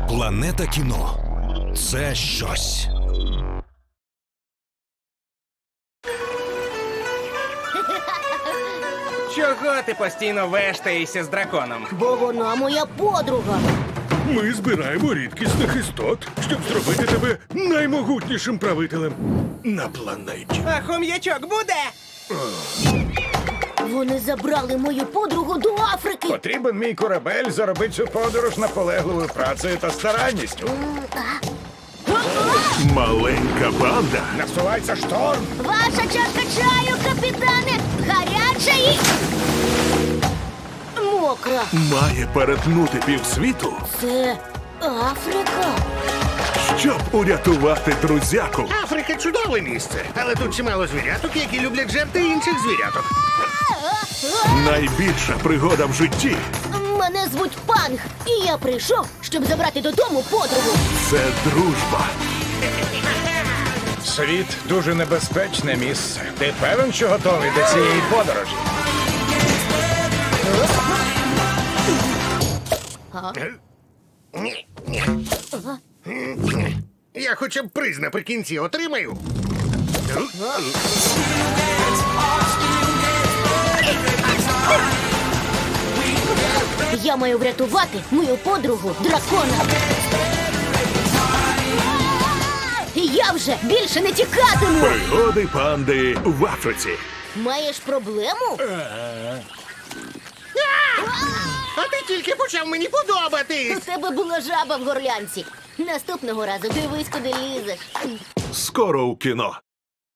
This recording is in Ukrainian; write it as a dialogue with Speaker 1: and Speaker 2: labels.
Speaker 1: Планета кіно – це щось.
Speaker 2: Чого ти постійно вештаєшся з драконом?
Speaker 3: Бо вона моя подруга.
Speaker 4: Ми збираємо рідкісних істот, щоб зробити тебе наймогутнішим правителем на планеті.
Speaker 2: А хом'ячок буде?
Speaker 3: Вони забрали мою подругу до Африки.
Speaker 4: Потрібен мій корабель заробити цю подорож наполегливою працею та старанністю.
Speaker 5: Маленька банда
Speaker 4: Насувається шторм.
Speaker 3: Ваша чашка чаю, капітане! Гаряча і... мокра.
Speaker 5: має перетнути півсвіту,
Speaker 3: Це Африка.
Speaker 5: щоб урятувати друзяку.
Speaker 6: Африка чудове місце, але тут чимало звіряток, які люблять жерти інших звіряток.
Speaker 5: Найбільша пригода в житті
Speaker 3: Мене звуть Панг, і я прийшов, щоб забрати додому подругу.
Speaker 5: – це дружба.
Speaker 4: Світ дуже небезпечне місце. Ти певен, що готовий до цієї подорожі?
Speaker 6: Ні, ні. Я хоча б приз наприкінці отримаю.
Speaker 3: Я маю врятувати мою подругу дракона. І я вже більше не тікатиму.
Speaker 5: Пригоди панди в Африці.
Speaker 3: Маєш проблему?
Speaker 6: А ти тільки почав мені
Speaker 3: У
Speaker 6: подобатись.
Speaker 3: тебе була жаба в горлянці. Наступного разу дивись, куди лізеш.
Speaker 5: Скоро у кіно.